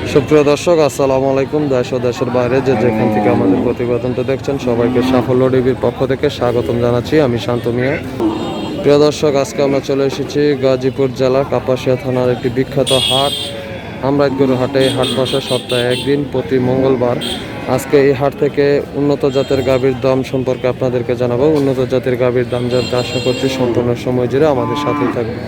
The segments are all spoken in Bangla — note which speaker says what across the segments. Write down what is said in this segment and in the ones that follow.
Speaker 1: সুপ্রিয় দর্শক, আসসালামু আলাইকুম। দেশ ও দেশের বাইরে যে যেখান থেকে আমাদের প্রতিবেদনটা দেখছেন, সবাইকে সাফল্য টিভির পক্ষ থেকে স্বাগতম জানাচ্ছি। আমি শান্ত মিয়া। প্রিয় দর্শক, আজকে আমরা চলে এসেছি গাজীপুর জেলা কাপাসিয়া থানার একটি বিখ্যাত হাট, আমরাইতগরু হাটে। এই হাট বসে সপ্তাহে একদিন, প্রতি মঙ্গলবার। আজকে এই হাট থেকে উন্নত জাতের গাভীর দাম সম্পর্কে আপনাদেরকে জানাবো। উন্নত জাতের গাভীর দাম জানতে আশা করছি সম্পূর্ণ সময় জুড়ে আমাদের সাথেই থাকবে।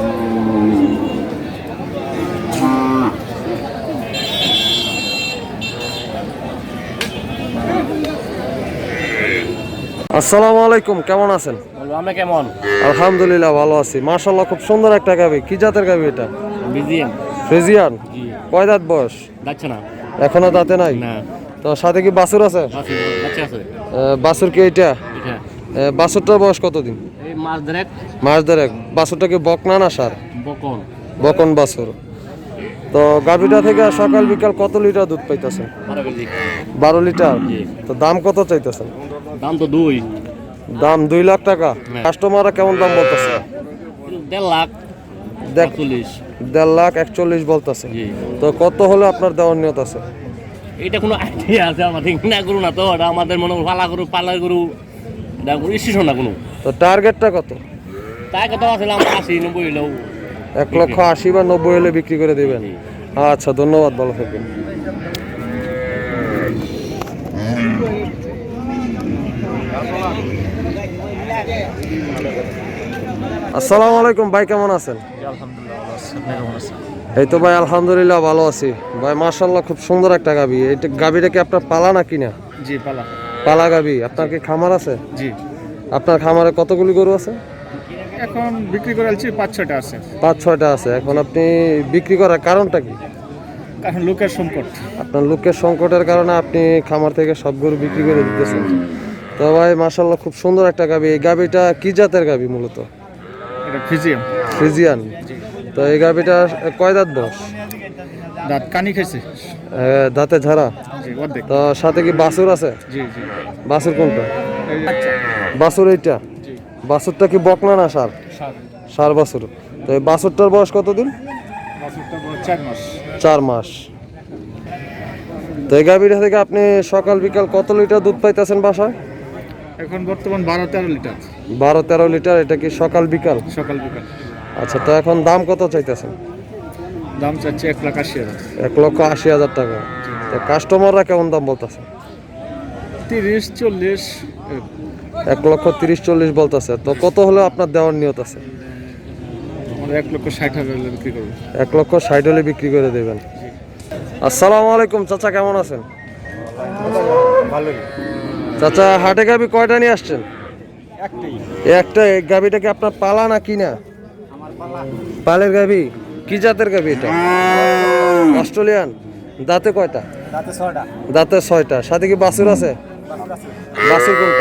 Speaker 1: আসসালামু আলাইকুম, কেমন আছেন?
Speaker 2: আমরা কেমন?
Speaker 1: আলহামদুলিল্লাহ ভালো আছি। মাশাআল্লাহ, খুব সুন্দর একটা গাভী। কি জাতের গাভী এটা?
Speaker 2: বিজিএম
Speaker 1: ফ্রিজিয়ান।
Speaker 2: জি।
Speaker 1: কয় দাঁত বয়স?
Speaker 2: যাচ্ছে না।
Speaker 1: এখনো দাঁতে নাই?
Speaker 2: না।
Speaker 1: তো সাথে কি বাছুর আছে?
Speaker 2: বাচ্চা আছে।
Speaker 1: বাছুর কি এটা?
Speaker 2: এটা
Speaker 1: বাছুরটার বয়স কতদিন?
Speaker 2: এই মাছ ধরেক
Speaker 1: মাস দেড়েক। বাছুরটা কি বকনা না সার?
Speaker 2: বকন।
Speaker 1: বকন বাছুর। তো গাভীটা থেকে সকাল বিকাল কত লিটার দুধ পাইতেছেন?
Speaker 2: 12 কেজি।
Speaker 1: 12 লিটার।
Speaker 2: জি।
Speaker 1: তো দাম কত চাইতেছেন?
Speaker 2: দাম তো 2।
Speaker 1: দাম 2 লাখ টাকা।
Speaker 2: হ্যাঁ।
Speaker 1: কাস্টমাররা কেমন দাম বলতেছে?
Speaker 2: 1.5 লাখ।
Speaker 1: দেখ,
Speaker 2: 40।
Speaker 1: 1.5 লাখ 41 বলতেছে।
Speaker 2: জি।
Speaker 1: তো কত হলে আপনার দেওয়ার নিয়ত আছে?
Speaker 2: এটা কোনো আইডিয়া আছে আমাদের? না গরু না তো, এটা আমাদের মনে পালার গরু। এটা কোনো স্টেশন না কোনো।
Speaker 1: তো টার্গেটটা কত?
Speaker 2: তাই কথা আছে আমরা 80-90 হইলেও
Speaker 1: 1,80,000 বা 90 হলে বিক্রি করে দিবেন। আচ্ছা, ধন্যবাদ, ভালো থাকবেন। আসসালামু আলাইকুম ভাই, কেমন আছেন? এই তো ভাই আলহামদুলিল্লাহ ভালো আছি ভাই। মাশাআল্লাহ, খুব সুন্দর একটা গাভী। এইটা গাভীটা কি আপনার পালা না কিনা?
Speaker 2: জি পালা।
Speaker 1: পালা গাভী। আপনার কি খামার আছে?
Speaker 2: জি।
Speaker 1: আপনার খামারে কতগুলি গরু আছে?
Speaker 2: এখন বিক্রি করে আলছি 5-6টা আছে।
Speaker 1: 5-6টা আছে। এখন আপনি বিক্রি করার কারণটা কি?
Speaker 2: এখন লোকের সংকট।
Speaker 1: আপনার লোকের সংকটের কারণে আপনি খামার থেকে সব গরু বিক্রি করে দিতেছেন। তো ভাই মাশাআল্লাহ, খুব সুন্দর একটা গাভী। এই গাভীটা কি জাতের গাভী মূলত?
Speaker 2: এটা ফিজিয়াম।
Speaker 1: ফ্রিজিয়ান। তো এই গাভীটা কয় দাঁত বয়স?
Speaker 2: দাঁত কানি খাইছে।
Speaker 1: দাঁতে ঝাড়া।
Speaker 2: জি অর্ধেক।
Speaker 1: তো সাথে কি বাছুর আছে?
Speaker 2: জি জি।
Speaker 1: বাছুর কোনটা?
Speaker 2: আচ্ছা।
Speaker 1: বাছুর এইটা।
Speaker 2: জি।
Speaker 1: বাছুরটা কি বকনা না সার? সার বাছুর। তো এই বাছুরটার বয়স কতদিন?
Speaker 2: বাছুরটা বয়স 4 মাস।
Speaker 1: 4 মাস। তো এই গাভীটা থেকে আপনি সকাল বিকাল কত লিটার দুধ পাইতেছেন বাসায়?
Speaker 2: এখন বর্তমান 12-13 লিটার।
Speaker 1: 12-13 লিটার। এটা কি সকাল বিকাল?
Speaker 2: সকাল বিকাল।
Speaker 1: আচ্ছা, তো এখন দাম কত চাইতেছেন?
Speaker 2: দাম চাচ্ছে 1,80,000।
Speaker 1: 1,80,000 টাকা। তো কাস্টমাররা কেমন দাম বলতেছে?
Speaker 2: 30-40।
Speaker 1: 1,30,40 বলতেছে। তো কত হলে আপনার দেওয়ার নিয়ত আছে?
Speaker 2: আমরা 1,60,000 বিক্রি করবো।
Speaker 1: 1,60,000 হলে বিক্রি করে দেবেন। আসসালামু আলাইকুম চাচা, কেমন আছেন?
Speaker 2: ভালোই।
Speaker 1: চাচা, হাটে গাভী কয়টা নিয়ে আসছেন? একটা। এই গাভীটা কি আপনার পালা না কিনা? পালের গাভী। কি জাতের গাভী এটা? অস্ট্রেলিয়ান। দাঁতে কয়টা? দাঁতে 6টা। সাথে কি বাছুর আছে? বাছুর কোনটা?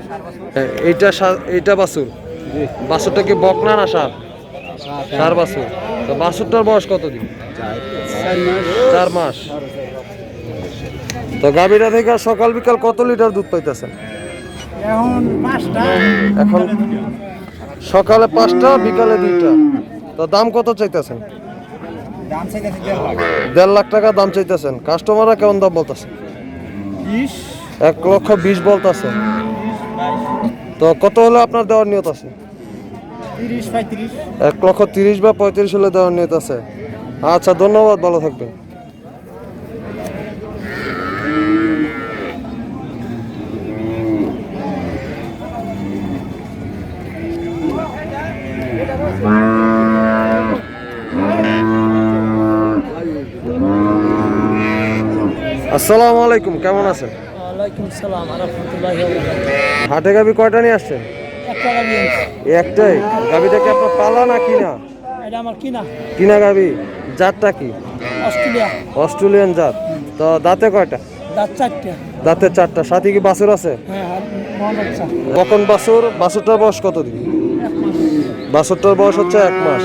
Speaker 1: এইটা বাছুর। বাছুরটা কি বকনা না সার? সার বাছুর। তো বাছুরটার বয়স কতদিন? 4 মাস। তো গাভীটা থেকে সকাল বিকাল কত লিটার দুধ পাইতেছেন? এখন সকালে 5টা, বিকালে 2টা। তো দাম কত চাইতেছেন? 1.5 লাখ টাকা দাম চাইতেছেন। কাস্টমাররা কেমন দাম বলতেছে? 1,20,000 বলতেছে। তো কত হলে আপনার দেওয়ার নিয়ত আছে? 1,30,000 বা 35 হলে দেওয়ার নিয়ত আছে। আচ্ছা, ধন্যবাদ, ভালো থাকবেন। আসসালামু আলাইকুম, কেমন আছেন?
Speaker 3: ওয়ালাইকুম সালাম রাহমাতুল্লাহি ওয়া বারাকাতুহু।
Speaker 1: হাটে গাভী কয়টা নিয়ে আসছেন?
Speaker 3: একটা গাবি আনছি।
Speaker 1: একটাই। গাভীটা কি আপনার পালা না কিনা?
Speaker 3: এটা আমার কিনা।
Speaker 1: কিনা গাভী। জাতটা কি?
Speaker 3: অস্ট্রেলিয়া।
Speaker 1: অস্ট্রেলিয়ান জাত। তো দাঁতে কয়টা?
Speaker 3: দাঁত 4টা।
Speaker 1: দাঁতে 4টা। সাথে কি বাছুর আছে?
Speaker 3: হ্যাঁ, মহাবাচ্চা।
Speaker 1: কখন বাছুর? বাছুরটার বয়স কতদিন?
Speaker 3: 1 মাস।
Speaker 1: বাছুরটার বয়স হচ্ছে 1 মাস।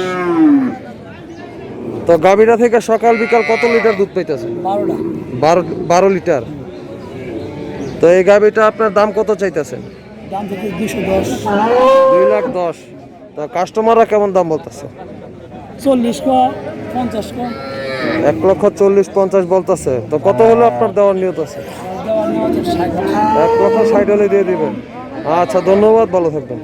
Speaker 1: তো গাভীটা থেকে সকাল বিকাল কত লিটার দুধ পাইতেছে?
Speaker 3: 12টা।
Speaker 1: 12 লিটার। তো এই গাভীটা আপনার দাম কত চাইতেছেন?
Speaker 3: দাম থেকে 210।
Speaker 1: 2,10,000। তো কাস্টমাররা কেমন দাম বলতেছে?
Speaker 3: 40 কো, 50 কো।
Speaker 1: 1,40,50 বলতেছে, তো কত হলো আপনার দেওয়ার নিয়ত আছে?
Speaker 3: দেওয়ার নেওয়া হচ্ছে 60।
Speaker 1: 1,60,000 হলে দিয়ে দিবেন। আচ্ছা, ধন্যবাদ, ভালো থাকবেন।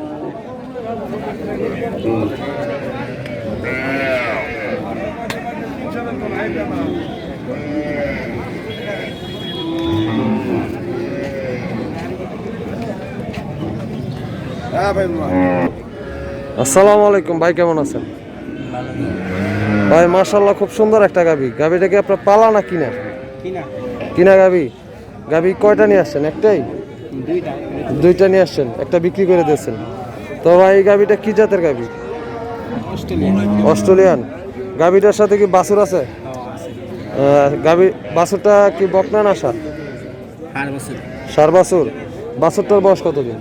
Speaker 1: আসসালামু আলাইকুম ভাই, কেমন আছেন? ভাই মাশাআল্লাহ, খুব সুন্দর একটা গাবি। গাবিটা কি আপনার পালা না কিনা? কিনা গাবি। গাবি কয়টা নিয়ে আসছেন? একটাই? দুইটা নিয়ে আসছেন, একটা বিক্রি করে দিয়েছেন। তো ভাই এই গাবিটা কি জাতের গাবি? অস্ট্রেলিয়ান। গাবিটার সাথে কি বাছুর আছে? গাবি বাছুরটা কি বকনা না সার? সার বাছুর। বাছুরটার বয়স কতদিন?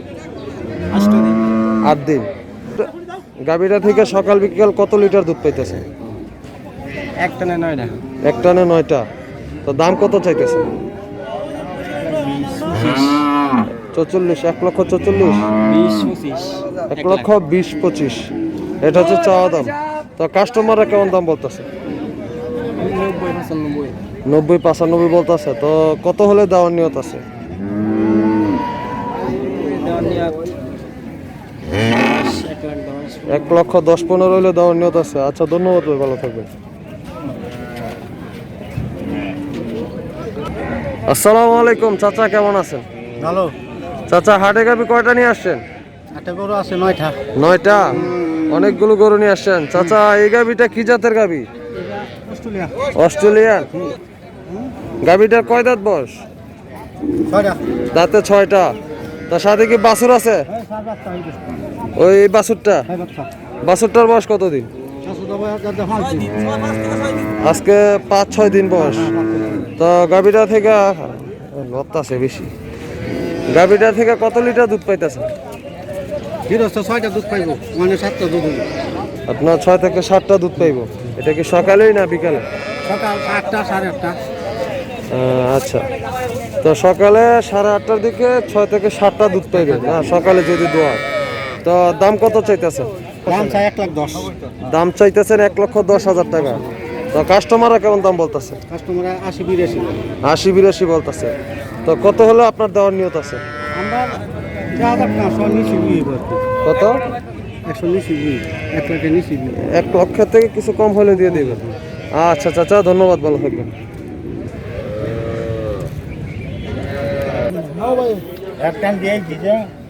Speaker 1: 8 দিন। গাবিটা থেকে সকাল বিকাল কত লিটার দুধ পাইতেছে?
Speaker 3: এক টানে 9টা।
Speaker 1: এক টানে 9টা। তো দাম কত চাইতেছে? 44, 1,40,40, 1,20,25। এটা হচ্ছে চাওয়া দাম। তো কাস্টমাররা কেমন দাম বলতেছে? 90-95 বলতেছে। তো কত হলে দেওয়ার নিয়ত আছে? 1,10,15 হলে দেওয়ার নিয়ত আছে। আচ্ছা, ধন্যবাদ ভাই, ভালো থাকবেন। আসসালামু আলাইকুম চাচা, কেমন আছেন?
Speaker 3: ভালো।
Speaker 1: চাচা, হাটে গাবি কয়টা নিয়ে আসছেন?
Speaker 3: একটা গরু আছে 9টা।
Speaker 1: 9টা। অনেকগুলো গরু নিয়ে আসছেন। চাচা, এই গাবিটা কি জাতের গাবি?
Speaker 3: অস্ট্রেলিয়া।
Speaker 1: অস্ট্রেলিয়ান। গাবিটার কয় দাঁত বয়স?
Speaker 3: 6টা।
Speaker 1: দাঁতে 6টা। তার সাথে কি বাছুর আছে? ওই বাছুরটা। বাছুরটার বয়স কতদিন? আজকে 5-6 দিন বয়স। তো গাবিটা থেকে লত্তাছে বেশি। গাবিটা থেকে কত লিটার দুধ পাইতেছে?
Speaker 3: 6টা দুধ পাইব, মানে 7টা দুধ।
Speaker 1: আপনার 6 থেকে 7টা দুধ পাইব। এটা কি সকালেই না বিকালে?
Speaker 3: সকাল 8টা 8:30।
Speaker 1: আচ্ছা, তো সকালে 8:30টার দিকে 6 থেকে 7টা দুধ পাইবে না সকালে যদি দোয়া। তো দাম কত চাইতেছে?
Speaker 3: দাম চাই 1,10,000।
Speaker 1: দাম চাইতেছেন 1,10,000 টাকা। তো কাস্টমাররা কেমন দাম বলতেছে?
Speaker 3: কাস্টমার 80-82।
Speaker 1: 80-82 বলতেছে। তো কত হলে আপনার দেওয়ার নিয়ত আছে?
Speaker 3: আমরা 1000 না 100 নিচে বিয়ে করতে।
Speaker 1: কত?
Speaker 3: 100 নিচে বিয়ে, 1 লাখের নিচে বিয়ে।
Speaker 1: 1 লক্ষ থেকে কিছু কম হলে দিয়ে দেবেন। আচ্ছা চাচা, ধন্যবাদ, ভালো থাকবেন।
Speaker 3: এক টান দিয়ে দিছে।